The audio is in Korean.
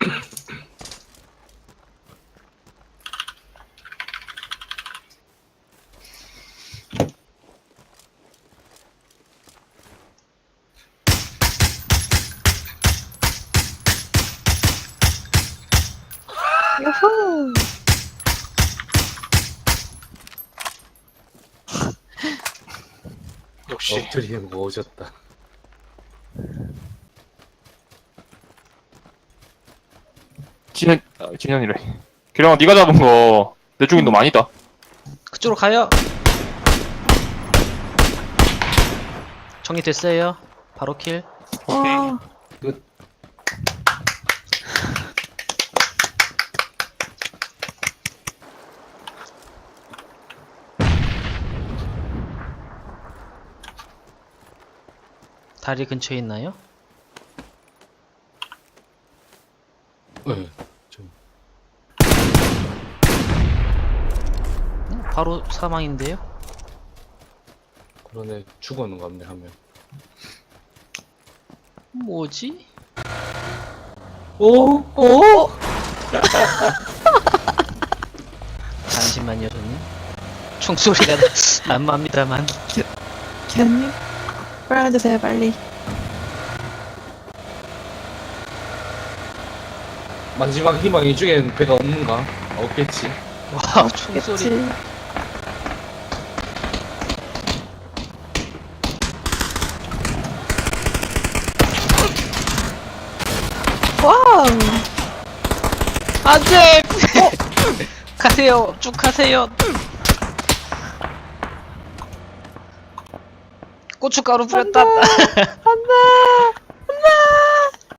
요호! 역시 엎드리는 거 오졌다. 진현이래. 기령아, 네가 잡은 거 내 쪽인 놈 아니다. 그쪽으로 가요. 정리됐어요. 바로 킬. 와, 끝. 다리 근처에 있나요? 네, 좀 바로 사망인데요? 그러네. 죽었는 거 같네 하면. 뭐지? 오, 오! 잠시만요, 저는. 총소리가 안 납니다만. 기현님, 빨아주세요, 빨리. 마지막 희망 이쪽엔 배가 없는가? 없겠지. 와, 총소리. 그치? 와우! 안 돼! 가세요! 쭉 가세요! 고춧가루 뿌렸다! 안 돼! 안 돼!